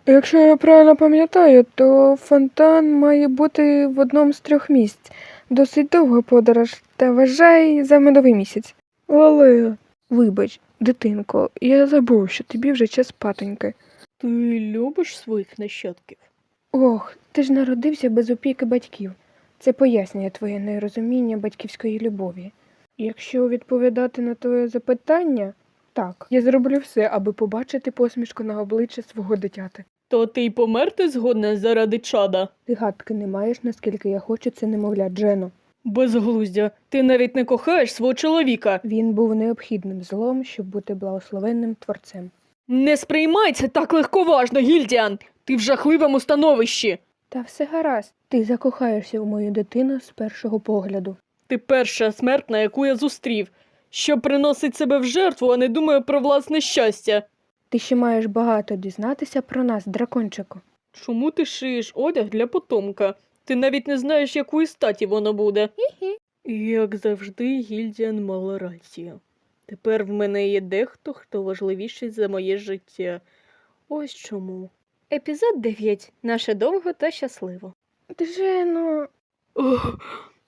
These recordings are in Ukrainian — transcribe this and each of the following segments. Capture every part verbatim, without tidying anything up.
Якщо я правильно пам'ятаю, то фонтан має бути в одному з трьох місць. Досить довга подорож, та вважай за медовий місяць. Але, вибач, дитинко, я забув, що тобі вже час спатоньки. Ти любиш своїх нащадків? Ох, ти ж народився без опіки батьків. Це пояснює твоє нерозуміння батьківської любові. Якщо відповідати на твоє запитання, так, я зроблю все, аби побачити посмішку на обличчі свого дитяти. То ти й померти згодна заради чада? Ти гадки не маєш, наскільки я хочу це немовля, Джено. Безглуздя, ти навіть не кохаєш свого чоловіка. Він був необхідним злом, щоб бути благословенним творцем. Не сприймай це так легковажно, Гільдіан! Ти в жахливому становищі. Та все гаразд, ти закохаєшся в мою дитину з першого погляду. Ти перша смертна, яку я зустрів, що приносить себе в жертву, а не думає про власне щастя. Ти ще маєш багато дізнатися про нас, дракончику. Чому ти шиєш одяг для потомка? Ти навіть не знаєш, якої статі воно буде. Хі-хі. Як завжди, Гільдіан мала рацію. Тепер в мене є дехто, хто важливіший за моє життя. Ось чому. Епізод дев'ять. Наше довго та щасливо. Джено... Ох.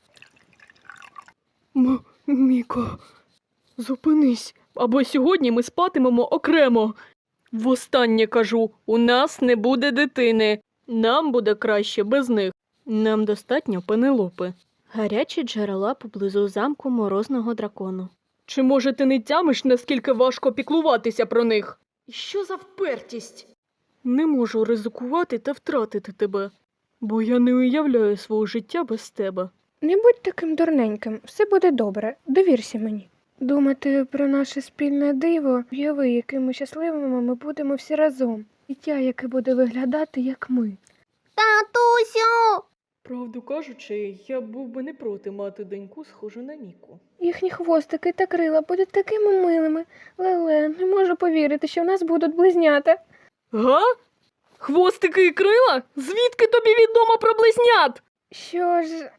М- Міко, зупинись, або сьогодні ми спатимемо окремо. Востаннє кажу, у нас не буде дитини. Нам буде краще без них. Нам достатньо Пенелопи. Гарячі джерела поблизу замку морозного дракону. Чи, може, ти не тямиш, наскільки важко піклуватися про них? Що за впертість? Не можу ризикувати та втратити тебе, бо я не уявляю свого життя без тебе. Не будь таким дурненьким, все буде добре, довірся мені. Думати про наше спільне диво, уяви, якими щасливими ми будемо всі разом. Дитя, яке буде виглядати, як ми. Татусю! Правду кажучи, я був би не проти мати доньку, схожу на Міку. Їхні хвостики та крила будуть такими милими. Леле, не можу повірити, що в нас будуть близнята. Га? Хвостики і крила? Звідки тобі відомо про близнят? Що ж...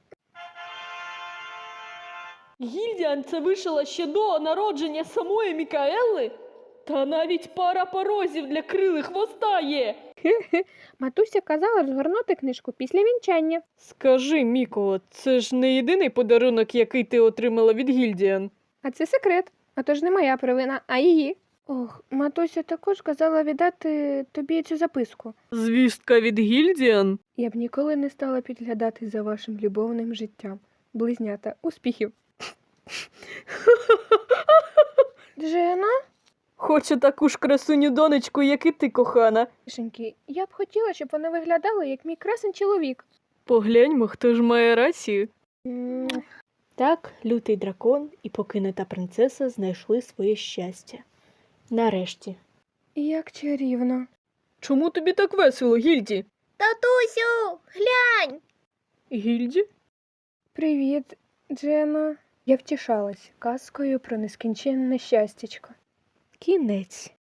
Гільдіан це вишила ще до народження самої Мікаели? Та навіть пара порозів для крили хвоста є. Матуся казала розгорнути книжку після вінчання. Скажи, Міко, це ж не єдиний подарунок, який ти отримала від Гільдіан. А це секрет, а то ж не моя провина, а її. Ох, матуся також казала віддати тобі цю записку. Звістка від Гільдіан? Я б ніколи не стала підглядати за вашим любовним життям. Близнята, успіхів. Джена? Хочу таку ж красуню донечку, як і ти, кохана. Тишеньки, я б хотіла, щоб вони виглядали, як мій красень чоловік. Погляньмо, хто ж має рацію. М, Так, лютий дракон і покинута принцеса знайшли своє щастя. Нарешті. Як чарівно. Чому тобі так весело, Гільді? Татусю, глянь! Гільді? Привіт, Джена. Я втішалась казкою про нескінченне щастячко. Кінець.